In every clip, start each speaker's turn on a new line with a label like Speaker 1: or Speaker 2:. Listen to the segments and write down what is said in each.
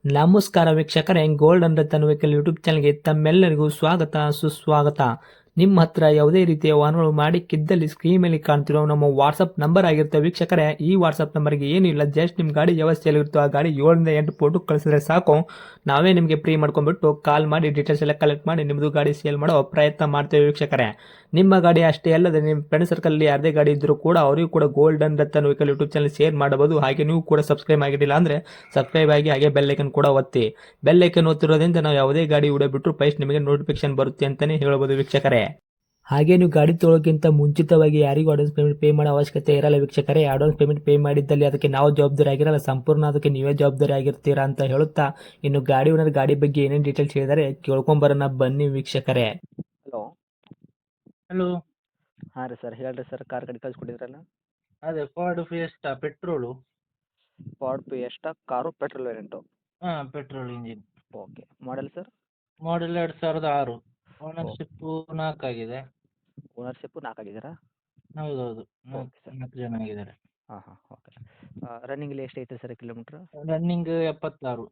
Speaker 1: ನಮಸ್ಕಾರ ವೀಕ್ಷಕರೇ, golden Ratan vehicle YouTube ಚಾನಲ್ಗೆ ತಮ್ಮೆಲ್ಲರಿಗೂ ಸ್ವಾಗತ ಸುಸ್ವಾಗತ. ನಿಮ್ಮ ಹತ್ರ ಯಾವುದೇ ರೀತಿಯ ವಾಹನಗಳು ಮಾಡಿಕ್ಕಿದ್ದಲ್ಲಿ ಸ್ಕ್ರೀನ್ ಮೇಲೆ ಕಾಣ್ತಿರೋ ನಮ್ಮ ವಾಟ್ಸಪ್ ನಂಬರ್ ಆಗಿರುತ್ತೆ ವೀಕ್ಷಕರೇ. ಈ ವಾಟ್ಸಪ್ ನಂಬರ್ಗೆ ಏನಿಲ್ಲ, ಜಸ್ಟ್ ನಿಮ್ಮ ಗಾಡಿ ವ್ಯವಸ್ಥೆಯಲ್ಲಿರುತ್ತೋ ಆ ಗಾಡಿ 7 ರಿಂದ 8 ಫೋಟೋ ಕಳಿಸಿದ್ರೆ ಸಾಕು. ನಾವೇ ನಿಮಗೆ ಫ್ರೀ ಮಾಡ್ಕೊಂಡ್ಬಿಟ್ಟು ಕಾಲ್ ಮಾಡಿ ಡೀಟೇಲ್ಸ್ ಎಲ್ಲ ಕಲೆಕ್ಟ್ ಮಾಡಿ ನಿಮ್ಮದು ಗಾಡಿ ಸೇಲ್ ಮಾಡೋ ಪ್ರಯತ್ನ ಮಾಡ್ತೇವೆ ವೀಕ್ಷಕರೇ. ನಿಮ್ಮ ಗಾಡಿ ಅಷ್ಟೇ ಅಲ್ಲದೆ ನಿಮ್ಮ ಫ್ರೆಂಡ್ ಸರ್ಕಲ್ ಯಾರದೇ ಗಾಡಿ ಇದ್ದರೂ ಕೂಡ ಅವರಿಗೂ ಕೂಡ golden Ratan vehicle YouTube channel share ಮಾಡಬಹುದು. ಹಾಗೆ ನೀವು ಕೂಡ ಸಬ್ಸ್ಕ್ರೈಬ್ ಆಗಿರಲಿಲ್ಲ ಅಂದರೆ ಸಬ್ಸ್ಕ್ರೈಬ್ ಆಗಿ ಹಾಗೆ ಬೆಲ್ ಐಕನ್ ಕೂಡ ಒತ್ತಿ. ಬೆಲ್ ಐಕನ್ ಒತ್ತಿರೋದ್ರಿಂದ ನಾವು ಯಾವುದೇ ಗಾಡಿ ಬಿಟ್ಟರು ಫಸ್ಟ್ ನಿಮಗೆ ನೋಟಿಫಿಕೇಶನ್ ಬರುತ್ತೆ ಅಂತಾನೆ ಹೇಳ್ಬೋದು ವೀಕ್ಷಕರೇ. ಹಾಗೆ ನೀವು ಗಾಡಿ ತೊಳೋಕ್ಕಿಂತ ಮುಂಚಿತವಾಗಿ ಯಾರಿಗೂ ಅಡ್ವಾನ್ಸ್ ಪೇಮೆಂಟ್ ಪೇ ಮಾಡೋ ಅವಶ್ಯಕತೆ ಇರಲ್ಲ ವೀಕ್ಷಕರೇ. ಅಡ್ವಾನ್ಸ್ ಪೇಮೆಂಟ್ ಪೇ ಮಾಡಿದ್ದಲ್ಲಿ ಅದಕ್ಕೆ ನಾವು ಜವಾಬ್ದಾರಿ ಆಗಿರಲ್ಲ, ಸಂಪೂರ್ಣ ಅದಕ್ಕೆ ನೀವೇ ಜವಾಬ್ದಾರಿ ಆಗಿರ್ತೀರಾ ಅಂತ ಹೇಳುತ್ತಾ, ಇನ್ನು ಗಾಡಿ ಓನರ್ ಗಾಡಿ ಬಗ್ಗೆ ಏನೇನು ಡೀಟೇಲ್ಸ್ ಹೇಳಿದರೆ ಕೇಳ್ಕೊಂಬರೋಣ ಬನ್ನಿ ವೀಕ್ಷಕರೇ.
Speaker 2: ಹಲೋ.
Speaker 3: ಹಲೋ.
Speaker 2: ಹಾಂ ರೀ ಸರ್, ಹೇಳ್ರಿ ಸರ್. ಕಾರ್ ಗಾಡಿ ಕಳಿಸ್ಕೊಟ್ಟಿದ್ರಲ್ಲ.
Speaker 3: ಅದೇ Ford Fiesta petrol.
Speaker 2: Ford Fiesta car petrol variant.
Speaker 3: ಹಾಂ, petrol engine.
Speaker 2: Okay. Model sir?
Speaker 3: Model 2006. Ownership 4 ಆಗಿದೆ.
Speaker 2: ಓನರ್ಶಿಪ್ಪು 4 ಆಗಿದ್ದೀರಾ?
Speaker 3: ಹೌದೌದು,
Speaker 2: ಓಕೆ ಸರ್.
Speaker 3: 4 ಜನ ಆಗಿದ್ದಾರೆ.
Speaker 2: ಹಾಂ ಓಕೆ. ರನ್ನಿಂಗಲ್ಲಿ ಎಷ್ಟು ಐತೆ sir kilometre?
Speaker 3: Running 76.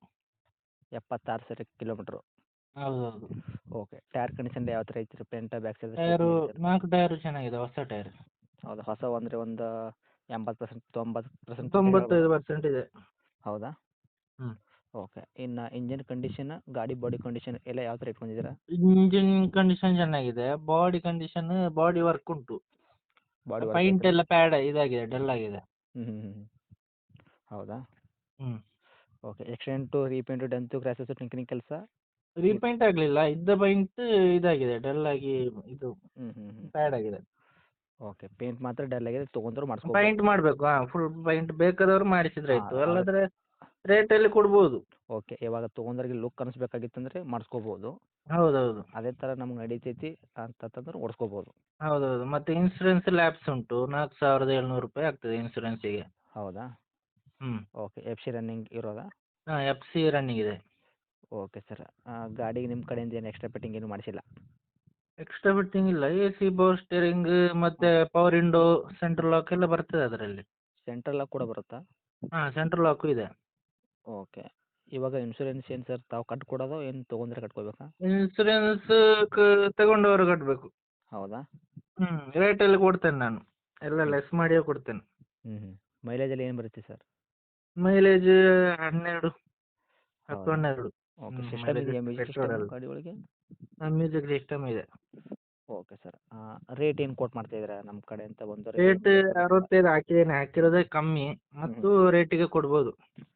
Speaker 2: 76 sir kilometre.
Speaker 3: ಹೌದೌದು.
Speaker 2: ಓಕೆ. ಟೈರ್ ಕಂಡೀಷನ್ ಯಾವ ಥರ ಐತೆ ರೀ? Front back side?
Speaker 3: Tyre 4 tyre ಚೆನ್ನಾಗಿದೆ, ಹೊಸ ಟೈರ್.
Speaker 2: ಹೌದಾ? ಹೊಸ ಅಂದರೆ ಒಂದು 80% 90%
Speaker 3: 95% ಇದೆ.
Speaker 2: ಹೌದಾ?
Speaker 3: ಹ್ಞೂ.
Speaker 2: ಓಕೆ. ಇನ್ನು ಇಂಜಿನ್ ಕಂಡೀಷನ್, ಗಾಡಿ ಬಾಡಿ ಕಂಡೀಷನ್ ಎಲ್ಲ ಯಾವ ಥರ ಇಟ್ಕೊಂಡಿದ್ದೀರಾ?
Speaker 3: ಇಂಜಿನ್ ಕಂಡೀಷನ್ ಚೆನ್ನಾಗಿದೆ. ಬಾಡಿ ಕಂಡೀಷನ್, ಬಾಡಿ ವರ್ಕ್ ಉಂಟು.
Speaker 2: ಬಾಡಿ
Speaker 3: ಪೈಂಟ್ ಎಲ್ಲ ಪ್ಯಾಡ್ ಇದಾಗಿದೆ, ಡಲ್ ಆಗಿದೆ.
Speaker 2: ಹ್ಞೂ. ಹೌದಾ?
Speaker 3: ಹ್ಞೂ.
Speaker 2: Okay. Accident, repaint, dent, scratches, tinkering ಕೆಲಸ?
Speaker 3: ರೀಪೇಂಟ್ ಆಗಲಿಲ್ಲ, ಇದ್ದ ಪೈಂಟ್ ಇದಾಗಿದೆ, ಡಲ್ ಆಗಿ ಇದು ಪ್ಯಾಡ್ ಆಗಿದೆ.
Speaker 2: ಓಕೆ. ಪೇಂಟ್ ಮಾತ್ರ ಡಲ್ ಆಗಿದೆ, ತೊಗೊಂಡ್ರು ಮಾಡಿಸ್ಕೊ.
Speaker 3: ಪೈಂಟ್ ಮಾಡಬೇಕು. ಫುಲ್ ಪೈಂಟ್ ಬೇಕಾದವರು ಮಾಡಿಸಿದ್ರೆ ಆಯ್ತು,
Speaker 2: ಹಾಂ,
Speaker 3: ಅಲ್ಲದ್ರೆ ರೇಟಲ್ಲಿ ಕೊಡ್ಬೋದು.
Speaker 2: ಓಕೆ. ಇವಾಗ ತೊಗೊಂಡ್ರಿಗೆ ಲುಕ್ ಅನಿಸ್ಬೇಕಾಗಿತ್ತಂದ್ರೆ ಮಾಡಿಸ್ಕೋಬೋದು.
Speaker 3: ಹೌದೌದು.
Speaker 2: ಅದೇ ಥರ ನಮ್ಗೆ ನಡೀತೈತಿ ಅಂತಂದ್ರೆ ಓಡಿಸ್ಕೋಬೋದು.
Speaker 3: ಹೌದೌದು. ಮತ್ತೆ ಇನ್ಸೂರೆನ್ಸ್ ಲ್ಯಾಪ್ಸ್ ಉಂಟು, 4700 ರೂಪಾಯಿ ಆಗ್ತದೆ ಇನ್ಸೂರೆನ್ಸಿಗೆ.
Speaker 2: ಹೌದಾ?
Speaker 3: ಹ್ಞೂ.
Speaker 2: ಓಕೆ. ಎಫ್ ಸಿ ರನ್ನಿಂಗ್ ಇರೋದಾ?
Speaker 3: ಹಾಂ, ಎಫ್ ಸಿ ರನ್ನಿಂಗ್ ಇದೆ.
Speaker 2: Okay sir. ಗಾಡಿಗೆ ನಿಮ್ಮ ಕಡೆಯಿಂದ ಏನು ಎಕ್ಸ್ಟ್ರಾ ಫಿಟ್ಟಿಂಗ್ ಏನು ಮಾಡಿಸಿಲ್ಲ?
Speaker 3: ಎಕ್ಸ್ಟ್ರಾ ಫಿಟ್ಟಿಂಗ್ ಇಲ್ಲ. ಎ ಸಿ, ಪವರ್ ಸ್ಟೇರಿಂಗ್, ಮತ್ತೆ ಪವರ್ ವಿಂಡೋ, ಸೆಂಟ್ರಲ್ ಲಾಕ್ ಎಲ್ಲ ಬರ್ತದೆ ಅದರಲ್ಲಿ.
Speaker 2: ಸೆಂಟ್ರಲ್ ಲಾಕ್ ಕೂಡ ಬರುತ್ತಾ?
Speaker 3: ಹಾಂ, ಸೆಂಟ್ರಲ್ ಲಾಕು ಇದೆ.
Speaker 2: ಓಕೆ. ಇವಾಗ ಇನ್ಶೂರೆನ್ಸ್ ಏನು ಸರ್ ತಾವು ಕಟ್ಕೊಡೋದು ಏನು ತೊಗೊಂಡ್ರೆ ಕಟ್ಕೋಬೇಕಾ?
Speaker 3: ಇನ್ಸೂರೆನ್ಸ್ ತಗೊಂಡವರು ಕಟ್ಟಬೇಕು.
Speaker 2: ಹೌದಾ?
Speaker 3: ಹ್ಞೂ. ರೇಟಲ್ಲಿ ಕೊಡ್ತೇನೆ ನಾನು, ಎಲ್ಲ ಲೆಸ್ ಮಾಡಿಯೇ ಕೊಡ್ತೇನೆ.
Speaker 2: ಮೈಲೇಜಲ್ಲಿ ಏನು ಬರುತ್ತೆ ಸರ್?
Speaker 3: ಮೈಲೇಜ್ 12, 10, 12.
Speaker 2: ಓಕೆ. ಸಿಸ್ಟಮ್ ಇದೆಯಾ? ಮ್ಯೂಸಿಕ್ ಸಿಸ್ಟಮ್ ಗಾಡಿ ಒಳಗೆ?
Speaker 3: ಮ್ಯೂಸಿಕ್ ಸಿಸ್ಟಮ್ ಇದೆ.
Speaker 2: Okay sir. ರೇಟ್ ಏನು ಕೋಟ್ ಮಾಡ್ತಾ ಇದ್ದೀರಾ ನಮ್ಮ ಕಡೆ ಅಂತ ಬಂದು?
Speaker 3: ರೇಟ್ 65 ಹಾಕಿದ್ದೇನೆ, ಹಾಕಿರೋದೇ ಕಮ್ಮಿ, ಮತ್ತು ರೇಟಿಗೆ ಕೊಡ್ಬೋದು.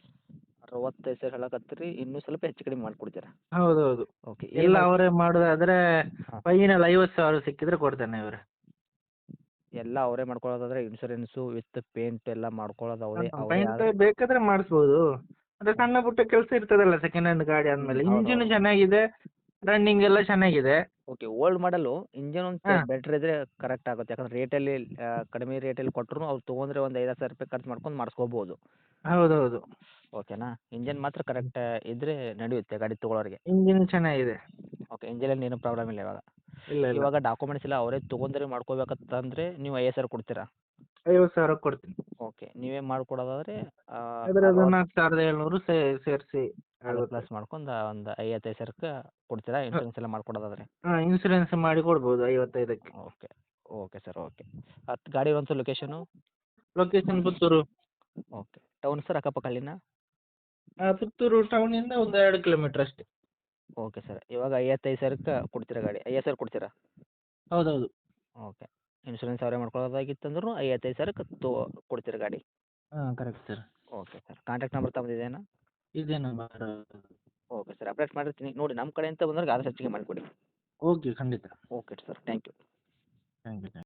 Speaker 2: 65 ಸಾವಿರ ಹೇಳಕತ್ತೀರಿ, ಇನ್ನೂ ಸ್ವಲ್ಪ ಹೆಚ್ಚು ಕಡಿಮೆ ಮಾಡಿಕೊಡ್ತೀರಾ?
Speaker 3: ಹೌದೌದು.
Speaker 2: ಓಕೆ.
Speaker 3: ಎಲ್ಲ ಅವರೇ ಮಾಡೋದಾದ್ರೆ
Speaker 2: ಹಾಂ.
Speaker 3: ಫೈನಲ್ 50,000 ಸಿಕ್ಕಿದ್ರೆ ಕೊಡ್ತೇನೆ ಇವರೇ.
Speaker 2: ಎಲ್ಲ ಅವರೇ ಮಾಡ್ಕೊಳ್ಳೋದಾದ್ರೆ ಇನ್ಶೂರೆನ್ಸು ವಿತ್ ಪೇಂಟ್ ಎಲ್ಲ ಮಾಡ್ಕೊಳ್ಳೋದು ಅವರೇ
Speaker 3: ಪೈಂಟ್ ಬೇಕಾದ್ರೆ ಮಾಡಿಸ್ಬೋದು. ಅಂದ್ರೆ ಸಣ್ಣ ಪುಟ್ಟ ಕೆಲಸ ಇರ್ತದಲ್ಲ ಸೆಕೆಂಡ್ ಹ್ಯಾಂಡ್ ಗಾಡಿ ಅಂದಮೇಲೆ. ಇಂಜಿನ್ ಚೆನ್ನಾಗಿದೆ, ರನ್ನಿಂಗ್ ಎಲ್ಲ ಚೆನ್ನಾಗಿದೆ.
Speaker 2: ಓಕೆ. ಓಲ್ಡ್ ಮಾಡಲು ಇಂಜಿನ್ ಒಂದು ಬೆಟ್ರ್ ಇದ್ರೆ ಕರೆಕ್ಟ್ ಆಗುತ್ತೆ. ಯಾಕಂದ್ರೆ ರೇಟಲ್ಲಿ ಕಡಿಮೆ ರೇಟಲ್ಲಿ ಕೊಟ್ಟರು ಅವ್ರು ತೊಗೊಂಡ್ರೆ ಒಂದು 5,000 ರೂಪಾಯಿ ಖರ್ಚು ಮಾಡ್ಕೊಂಡು ಮಾಡಿಸ್ಕೋಬೋದು.
Speaker 3: ಹೌದೌದು.
Speaker 2: ಓಕೆನಾ? ಇಂಜನ್ ಮಾತ್ರ ಕರೆಕ್ಟ್ ಇದ್ರೆ ನಡೆಯುತ್ತೆ ಗಾಡಿ ತೊಗೊಳೋರಿಗೆ.
Speaker 3: ಇಂಜಿನ್ ಚೆನ್ನಾಗಿದೆ.
Speaker 2: ಓಕೆ. ಇಂಜಿನಲ್ಲಿ ಏನು ಪ್ರಾಬ್ಲಮ್ ಇಲ್ಲ ಇವಾಗ?
Speaker 3: ಇಲ್ಲ.
Speaker 2: ಇವಾಗ ಡಾಕ್ಯುಮೆಂಟ್ಸ್ ಎಲ್ಲ ಅವರೇ ತೊಗೊಂಡ್ರೆ ಮಾಡ್ಕೋಬೇಕಂತಂದ್ರೆ ನೀವು 50,000 ಕೊಡ್ತೀರಾ?
Speaker 3: 50,000 ಕೊಡ್ತೀನಿ.
Speaker 2: ಓಕೆ. ನೀವೇ ಮಾಡ್ಕೊಡೋದಾದ್ರೆ
Speaker 3: ಅದರದ್ದು 4700 ಸೇರಿಸಿ
Speaker 2: ಪ್ಲಸ್ ಮಾಡ್ಕೊಂಡು ಒಂದು 55,000ಕ್ಕೆ ಕೊಡ್ತೀರಾ ಇನ್ಶೂರೆನ್ಸ್ ಎಲ್ಲ ಮಾಡ್ಕೊಡೋದಾದ್ರೆ?
Speaker 3: ಹಾಂ, ಇನ್ಸೂರೆನ್ಸ್ ಮಾಡಿ ಕೊಡ್ಬೋದು 55ಕ್ಕೆ.
Speaker 2: ಓಕೆ. Okay sir. ಓಕೆ. ಗಾಡಿ ಒಂದು location?
Speaker 3: Location Puttur.
Speaker 2: Okay. Town sir ಅಕ್ಕಪಕ್ಕ ಹಳ್ಳಿನ?
Speaker 3: ಪುತ್ತೂರು ಟೌನಿಂದ ಒಂದು 2 ಕಿಲೋಮೀಟರ್ ಅಷ್ಟೇ.
Speaker 2: Okay sir. ಇವಾಗ 55,000ಕ್ಕೆ ಕೊಡ್ತೀರಾ ಗಾಡಿ? 50,000 ಕೊಡ್ತೀರಾ?
Speaker 3: ಹೌದೌದು.
Speaker 2: ಓಕೆ. ಇನ್ಶೂರೆನ್ಸ್ ಅವರೇ ಮಾಡ್ಕೊಳ್ಳೋದಾಗಿತ್ತಂದ್ರೂ 55,000ಕ್ಕೆ ಕೊಡ್ತೀರಾ ಗಾಡಿ?
Speaker 3: ಹಾಂ, correct sir.
Speaker 2: Okay sir. Contact number ತಮ್ಮದಿದೆಯಾ?
Speaker 3: ಇದೇ ನಂಬರ್.
Speaker 2: Okay sir. ಅಪ್ಡೇಟ್ ಮಾಡಿರ್ತೀನಿ ನೋಡಿ, ನಮ್ಮ ಕಡೆಯಿಂದ ಬಂದವ್ರಿಗೆ ಆದಷ್ಟು ಹೆಚ್ಚಿಗೆ ಮಾಡಿಕೊಡಿ.
Speaker 3: ಓಕೆ, ಖಂಡಿತ.
Speaker 2: Okay sir. Thank you.
Speaker 3: Thank you.